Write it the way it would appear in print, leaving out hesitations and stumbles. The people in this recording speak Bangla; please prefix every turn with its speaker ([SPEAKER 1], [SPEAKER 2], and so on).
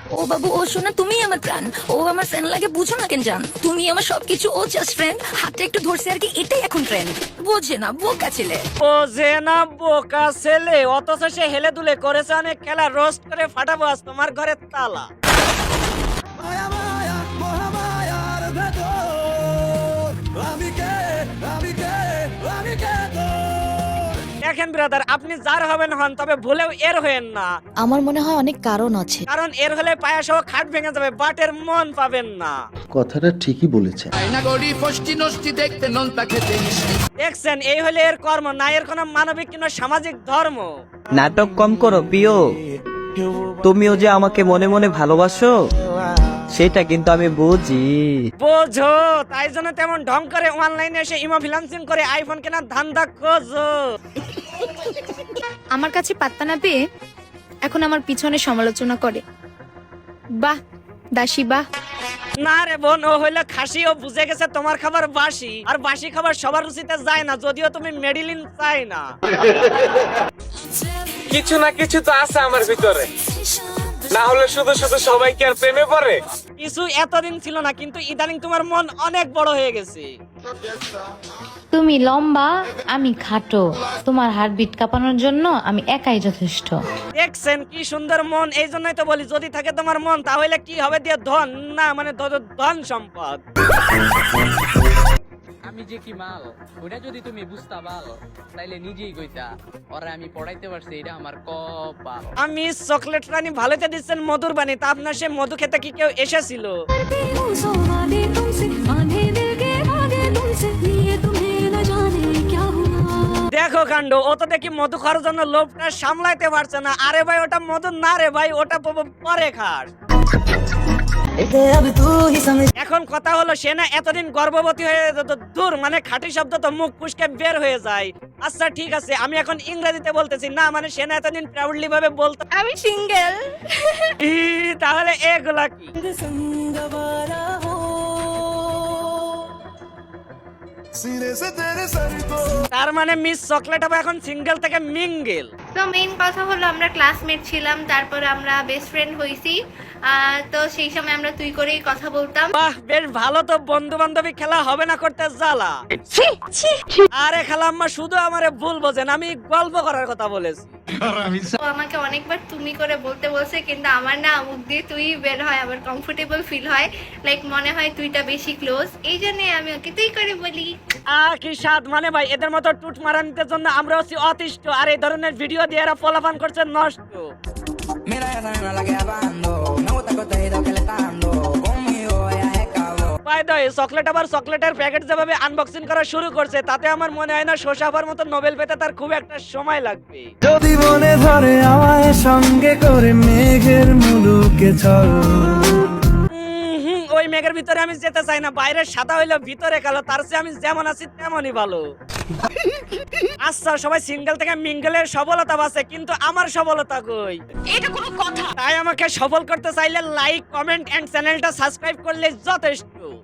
[SPEAKER 1] ও বাবু, ও শোনা, তুমি আমার প্রাণ। ও আমার ফ্রেন্ড লাগে, বুঝো না কেন জান? তুমি আমার সবকিছু, ও জাস্ট ফ্রেন্ড। হাতটা একটু ধরছে আর কি, এটাই এখন ট্রেন্ড। বোঝে না, বোকা ছেলে।
[SPEAKER 2] ও যে না বোকা ছেলে, অথচ সে হেলে দুলে করেছে অনেক খেলা। রোস্ট করে ফাটাবো আজ তোমার ঘরের তালা। দেখেন ব্রাদার, আপনি যার হবেন হন, তবে ভুলেও এর হয়েন না।
[SPEAKER 1] আমার মনে হয় অনেক কারণ আছে।
[SPEAKER 2] কারণ এর হলে পায়া সহ খাট ভেঙে যাবে, বাট এর মন পাবেন না।
[SPEAKER 3] কথাটা ঠিকই বলেছে।
[SPEAKER 2] দেখছেন, এই হলে এর কর্ম, না এর কোনো মানবিক কিংবা সামাজিক ধর্ম।
[SPEAKER 4] নাটক কম করো প্রিয়, তুমিও যে আমাকে মনে মনে ভালোবাসো সেটা কিন্তু আমি বুঝি।
[SPEAKER 2] বোঝো, তাই জন্য তেমন ঢং করে অনলাইনে এসে ইমো ফ্রিল্যান্সিং করে আইফোন কেনার ধান্দা খোঁজো।
[SPEAKER 5] আমার কাছে পাত্তা না পেয়ে এখন আমার পিছনে সমালোচনা করে। বাহ দাসী বাহ।
[SPEAKER 2] না রে বোন, ও হইলো খাসি। ও বুঝে গেছে তোমার খাবার বাসি, আর বাসি খাবার সবার রুচিতে যায় না, যদিও তুমি মেডিলিন চাই না।
[SPEAKER 6] কিছু না কিছু তো আছে আমার ভিতরে, না হলে শুধু শুধু সবাই কি আর প্রেমে পড়ে?
[SPEAKER 2] কিছু এতদিন ছিল না, কিন্তু ইদানিং তোমার মন অনেক বড় হয়ে গেছে।
[SPEAKER 7] তুমি লম্বা, আমি খাটো, তোমার হার্টবিট কাঁপানোর জন্য আমি একাই যথেষ্ট।
[SPEAKER 2] দেখছেন কি সুন্দর মন, এই জন্যই তো বলি যদি থাকে তোমার মন তাহলে কি হবে দিয়ে ধন, না মানে ধন সম্পদ।
[SPEAKER 8] আমি যে কি মাল, ওটা যদি তুমি বুঝতা পাল তাইলে নিজেই কইতা ওরা আমি পড়াইতে পারছি, এটা আমার কপাল।
[SPEAKER 2] আমি চকলেট রানী ভালোতে দিচ্ছেন মধুর বাণী, তা আপনার সে মধু খেতে কি কেউ এসেছিল? দেখো কাণ্ড, ও তো দেখি মধু খাওয়ার জন্য লোভটা সামলাইতে পারছে না। আরে ভাই, ওটা মধু না রে ভাই, ওটা পরে খাস। এখন কথা হলো, সে না এতদিন গর্ভবতী হয়ে দূর, মানে খাঁটি শব্দ তো মুখ ফুসকে বের হয়ে যায়। আচ্ছা ঠিক আছে, আমি এখন ইংরেজিতে বলতেছি, না মানে সে না এতদিন প্রাউডলি ভাবে বলতো
[SPEAKER 5] আমি সিঙ্গেল।
[SPEAKER 2] তাহলে এগুলা কি? তার মানে মিস চকলেট হবে এখন সিঙ্গেল থেকে মিঙ্গেল।
[SPEAKER 9] তো মেইন কথা হলো আমরা ক্লাসমেট ছিলাম, তারপর আমরা বেস্ট ফ্রেন্ড হইছি। তো সেই সময় আমরা তুই করেই কথা বলতাম।
[SPEAKER 2] বাহ, বেশ ভালো তো। বন্ধু বান্ধবী খেলা হবে না করতে জ্বালা। আরে খালাম্মা, শুধু আমারে ভুল বোঝেন, আমি গল্প করার কথা বলেছি।
[SPEAKER 9] তো আমাকে অনেকবার তুমি করে বলতে বলছে, কিন্তু আমার না মুখ দিয়ে তুই বের হয়, আমার কমফোর্টেবল ফিল হয়, লাইক মনে হয় তুইটা বেশি ক্লোজ, এই জন্য আমি ওকে তুই করে বলি।
[SPEAKER 2] কি স্বাদ, মানে ভাই এদের মতো টুট মারানিতে জন্য আমরা হচ্ছি অতিষ্ঠ, আর এই ধরনের ভিডিও দিয়ে এরা ফলাফান করছে নষ্ট। চকলেট আবার চকলেটের প্যাকেট যেভাবে আনবক্সিং করা শুরু করছে, তাতে আমার মনে হয় না শোষাবার মতো নোবেল পেতে তার খুব একটা সময় লাগবে।
[SPEAKER 4] যদি মনে ধরে আমায় সঙ্গে করে মেঘের মুলুকে চল।
[SPEAKER 2] ওই মেঘের ভিতরে আমি যেতে চাই না, বাইরের সাদা হইলো ভিতরে কালো, তার চেয়ে আমি যেমন আছি তেমনই ভালো। আচ্ছা, সবাই সিঙ্গেল থেকে মিঙ্গেলের সফলতা বাসে, কিন্তু আমার সফলতা কই?
[SPEAKER 1] এটা কোনো কথা?
[SPEAKER 2] তাই আমাকে সফল করতে চাইলে লাইক, কমেন্ট এন্ড চ্যানেলটা সাবস্ক্রাইব করলে যথেষ্ট।